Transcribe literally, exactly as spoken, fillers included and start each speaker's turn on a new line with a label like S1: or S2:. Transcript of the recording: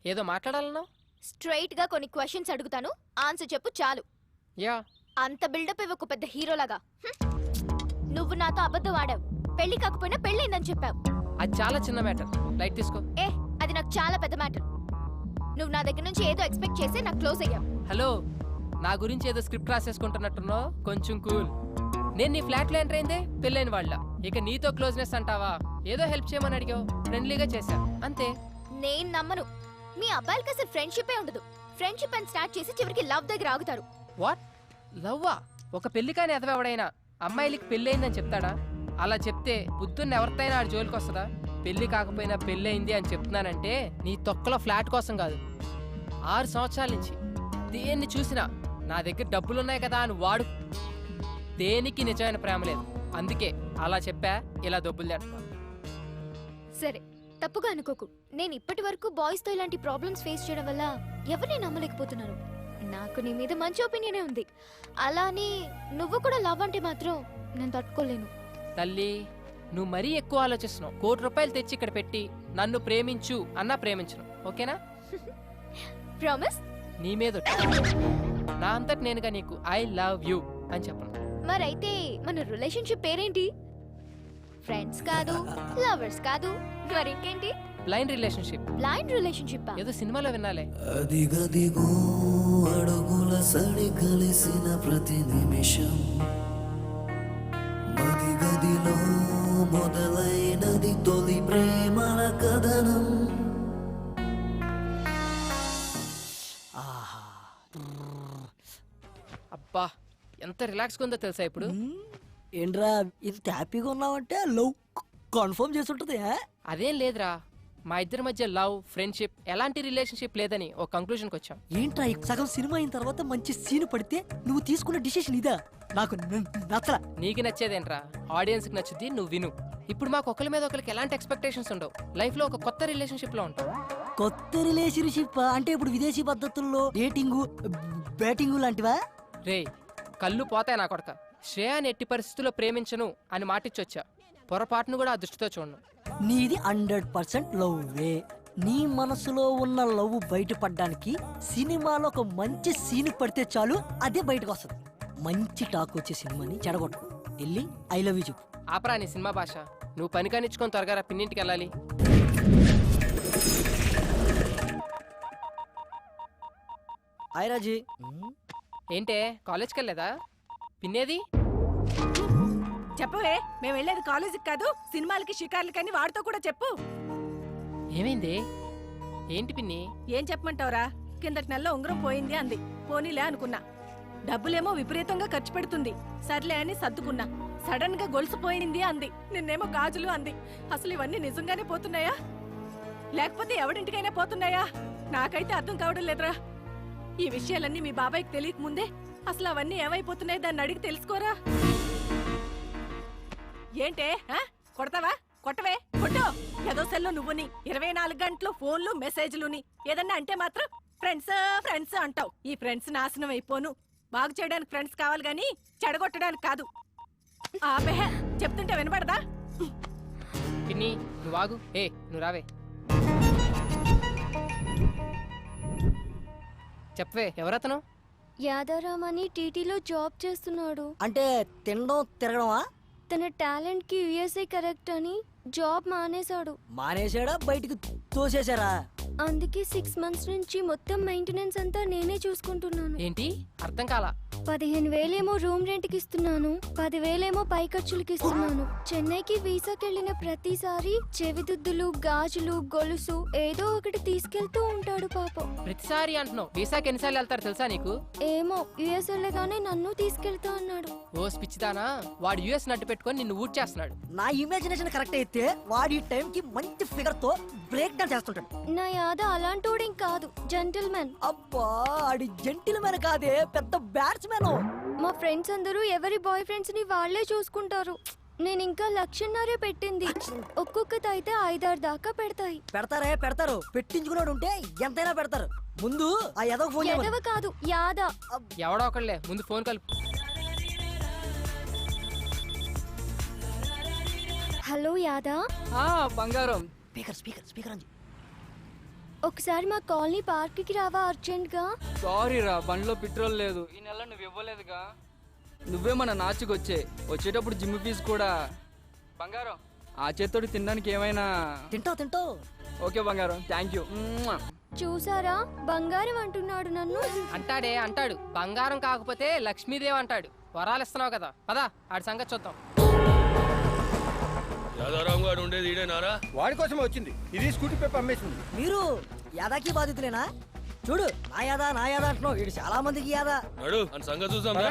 S1: ఏదో మాట్లాడాలన్నావు?
S2: స్ట్రైట్ గా కొన్ని క్వశ్చన్స్ అడుగుతాను, ఆన్సర్ చెప్పు చాలు.
S1: యా.
S2: అంత బిల్డప్ ఇవ్వకు పెద్ద హీరోలాగా. నువ్వు నాతో అబద్ధం ఆడావు, పెళ్లి కాకపోయినా పెళ్ళైందని చెప్పావు.
S1: అది చాలా చిన్న మ్యాటర్, లైట్ తీసుకో.
S2: ఏ అది నాకు చాలా పెద్ద మ్యాటర్. నువ్వు నా దగ్గర నుంచి ఏదో ఎక్స్పెక్ట్ చేసి నాకు క్లోజ్ అయ్యావు.
S1: హలో, నా గురించి ఏదో స్క్రిప్ట్ రాసేసుకుంటున్నట్టున్నావు, కొంచెం కూల్. నేను నీ ఫ్లాట్లో ఎంటర్ అయిందే పెళ్ళైన వాళ్ళ, ఇక నీతో క్లోజ్నెస్ అంటావా? ఏదో హెల్ప్ చేయమని అడిగావు, ఫ్రెండ్లీగా చేశా అంతే.
S2: నేను నమ్మను. మీ అబ్బాయిలకి అసలు ఫ్రెండ్షిపే ఉండదు. ఫ్రెండ్షిప్ అని స్టార్ట్ చేసి చివరికి లవ్ దగ్గర ఆగుతారు.
S1: వాట్? లవ్వా? ఒక పెళ్లి కాని ఎదవెవడైనా అమ్మాయిలకి పెళ్ళయిందని చెప్తాడా? అలా చెప్తే బుద్ధున్న ఎవరితైనా ఆడి జోలికి వస్తుందా? పెళ్లి కాకపోయినా పెళ్ళయింది అని చెప్తున్నానంటే నీ తొక్కలో ఫ్లాట్ కోసం కాదు. ఆరు సంవత్సరాల నుంచి దేన్ని చూసినా నా దగ్గర డబ్బులున్నాయి కదా అని వాడు. దేనికి నిజమైన ప్రేమ లేదు, అందుకే అలా చెప్పా. ఇలా డబ్బులు చేస్తున్నాను.
S2: సరే, తప్పుగా అనుకోకు. నేను ఇప్పటి వరకు బాయ్స్ తో ఇలాంటి ప్రాబ్లమ్స్ ఫేస్ చేయడం వల్ల ఎవరిని నమ్మలేకపోతున్నాను. నాకు నీ మీద మంచి ఒపీనియనే ఉంది. అలానే నువ్వు కూడా లవ్ అంటే మాత్రం నేను తట్టుకోలేను.
S1: తల్లి, నువ్వు మరీ ఎక్కువ ఆలోచిస్తున్నావు. కోటి రూపాయలు తెచ్చి ఇక్కడ పెట్టి నన్ను ప్రేమించు అన్నా ప్రేమించను, ఓకేనా?
S2: ప్రామిస్?
S1: నీ మీద నా అంతటి నేనుగా నీకు ఐ లవ్ యూ అని చెప్పను.
S2: మరైతే మన రిలేషన్షిప్ పేరేంటి? ఫ్రెండ్స్ కాదు, లవర్స్ కాదు, మరింకేంటి?
S1: Blind relationship.
S2: బ్లైండ్ రిలేషన్షిప్
S1: ఏదో సినిమాలో వినాలే.
S3: అదిగదిగో అడుగుల సడి కలిసిన ప్రతి నిమిషం, మదిగదిలో మొదలైనది తొలి ప్రేమల కథనం. ఆహా,
S1: అబ్బా ఎంత రిలాక్స్గా ఉందో తెలుసా ఇప్పుడు.
S3: ఏంట్రా ఇంత హ్యాపీగా ఉన్నావంటే లవ్ కన్ఫర్మ్ చేసి ఉంటుంది.
S1: అదేం లేదురా, మా ఇద్దరి మధ్య లవ్ ఫ్రెండ్షిప్ ఎలాంటి రిలేషన్షిప్ లేదని ఒక కంక్లూజన్కి వచ్చాం.
S3: ఏంట్రా సగం సినిమా అయిన తర్వాత మంచి సీన్ పడితే నువ్వు తీసుకున్న డిసిషన్ ఇదా? నాకు నచ్చలా.
S1: నీకు నచ్చేదేంట్రా, ఆడియన్స్కి నచ్చుద్ది, నువ్వు విను. ఇప్పుడు మాకు ఒకరి మీద ఒకరికి ఎలాంటి ఎక్స్పెక్టేషన్స్ ఉండవు. లైఫ్లో ఒక కొత్త రిలేషన్షిప్లో ఉంటాం.
S3: కొత్త రిలేషన్షిప్ అంటే ఇప్పుడు విదేశీ పద్ధతుల్లో డేటింగు బ్యాటింగు లాంటివా?
S1: రే, కళ్ళు పోతాయి నా కొడక. శ్రేయాని ఎట్టి పరిస్థితుల్లో ప్రేమించను అని మాటిచ్చొచ్చా. పొరపాటును కూడా ఆ దృష్టితో చూడను.
S3: నీది హండ్రెడ్ పర్సెంట్ లవ్వే. నీ మనసులో ఉన్న లవ్ బయటపడడానికి సినిమాలో ఒక మంచి సీన్ పడితే చాలు, అదే బయటకు వస్తుంది. మంచి టాక్ వచ్చే సినిమాని చెడగొట్టు. వెళ్ళి ఐ లవ్ యూ చెప్పు.
S1: ఆపరా నీ సినిమా భాష. నువ్వు పని కానిచ్చుకొని త్వరగా రా, పిన్నింటికి వెళ్ళాలి.
S3: హాయ్ రాజీ.
S1: ఏంటే కాలేజ్కి వెళ్ళలేదా? పిన్నేది?
S4: చెప్పవే, మేము వెళ్ళేది కాలేజీకి కాదు సినిమాలకి షికార్లకని వాడితో కూడా చెప్పు.
S1: ఏమైంది? ఏంటి పిన్ని?
S4: ఏం చెప్పమంటావురా? కిందటి నెలలో ఉంగరం పోయింది అంది. పోనీలే అనుకున్నా. డబ్బులేమో విపరీతంగా ఖర్చు పెడుతుంది. సర్లే అని సర్దుకున్నా. సడన్ గా గొలుసు పోయింది అంది. నిన్నేమో గాజులు అంది. అసలు ఇవన్నీ నిజంగానే పోతున్నాయా లేకపోతే ఎవడింటికైనా పోతున్నాయా? నాకైతే అర్థం కావడం లేదురా. ఈ విషయాలన్నీ మీ బాబాయ్కి తెలియక ముందే అసలు అవన్నీ ఏమైపోతున్నాయి దాన్ని అడిగి తెలుసుకోరా. ఏంటే కొడతావా? కొట్టవే, కొట్టు. ఏదో సెల్లో నువ్వుని ఇరవై నాలుగు గంటలు ఫోన్లు మెసేజ్లుని ఏదన్నా అంటే మాత్రం ఫ్రెండ్స్ ఫ్రెండ్స్ అంటావు. ఈ ఫ్రెండ్స్ నాశనం అయిపోను. బాగు చేయడానికి ఫ్రెండ్స్ కావాలి గాని చెడగొట్టడానికి కాదు. ఆపే, చెప్తుంటే వినపడదా?
S1: పిన్ని నువ్వు ఆగు. ఏ నువ్వు రావే. చెప్పవే, ఎవరతను?
S2: యాదారాం అని టీటీలో జాబ్ చేస్తున్నాడు.
S3: అంటే తినడం తిరగడమా?
S2: తన టాలెంట్ కి యుఎస్ఏ కరెక్ట్ అని జాబ్ మానేశాడు.
S3: మానేశాడా? బయటికి తోసేశారా?
S2: అందుకే సిక్స్ మంత్స్ నుంచి మొత్తం మెయింటెనెన్స్ అంతా నేనే చూసుకుంటున్నాను.
S1: ఏంటి అర్థం కాలా?
S2: పదిహేను వేలేమో రూమ్ రెంట్ కి ఇస్తున్నాను, పదివేలేమో పై ఖర్చులకి ఇస్తున్నాను. చెన్నైకి వీసాకి వెళ్ళిన ప్రతిసారి చెవిదుద్దులు, గాజులు, గొలుసు ఏదో ఒకటి తీసుకెళ్తూ ఉంటాడు పాపం.
S1: ప్రతిసారి అంటున్నావు. వీసాకి ఎన్నిసార్లు వెళ్తారు తెలుసా నీకు?
S2: ఏమో, యుఎస్ వెళ్ళగానే నన్ను తీసుకెళ్తా అన్నాడు.
S1: ఓ పిచ్చిదానా, వాడు యుఎస్ నట్టు పెట్టుకొని నిన్ను ఊట్ చేస్తున్నాడు.
S3: నా ఇమాజినేషన్ కరెక్ట్ అయితే వాడి టైం కి మంచి ఫిగర్ తో బ్రేక్ డౌన్ చేస్తుంటాడు.
S2: నా యాద అలాంటోడేం కాదు, జెంటిల్మెన్.
S3: అబ్బా, ఆడి జెంటిల్మెన్ కాదే, పెద్ద బ్యాట్స్మెన్.
S2: మా ఫ్రెండ్స్ అందరూ ఎవరి బాయ్ ఫ్రెండ్స్ ని వాళ్లే చూసుకుంటారు. నేను ఇంకా లక్షన్నరే పెట్టింది. ఒక్కొక్కటి అయితే ఐదారు దాకా పెడతాయి.
S3: పెడతారే పెడతారు. పెట్టించుకున్నాడు ఉంటే ఎంతైనా పెడతారు. ముందు ఆ ఎదవ ఫోన్
S2: ఎదవ కాదు, యాద.
S1: ఎవడో ఒకళ్ళే, ముందు ఫోన్ కలుపు.
S2: హలో యాదా.
S1: బంగారం.
S3: స్పీకర్ స్పీకర్ స్పీకర్ అని
S2: ఒకసారి మా కాలనీ పార్క్కి రావా అర్జెంట్గా?
S5: సారీ రా, బండిలో పెట్రోల్ లేదు. ఈ నెల నువ్వు ఇవ్వలేదుగా. నువ్వే మన నాచుకు వచ్చే వచ్చేటప్పుడు జిమ్ ఫీజు కూడా. బంగారం, ఆ చేత్తోటి తినడానికి ఏమైనా?
S3: తింటావు తింటావు.
S5: ఓకే బంగారం, థ్యాంక్ యూ.
S2: చూసారా బంగారం అంటున్నాడు నన్ను.
S1: అంటాడే అంటాడు, బంగారం కాకపోతే లక్ష్మీదేవి అంటాడు. వరాలు ఇస్తున్నావు కదా, పదా ఆడి సంగతి చూద్దాం.
S6: యాదారాం గారు ఉండేది ఈడేనారా?
S7: వాడి కోసమే వచ్చింది. ఇది స్కూటీ పేపర్ అమ్మేసింది.
S3: మీరు యాదాకి బాధితులేనా? చూడు, నా యాదా నా యాదా అంటున్నావు. వీడు చాలా మందికి యాదా.
S6: నడు అని సంగతి చూసాం రా.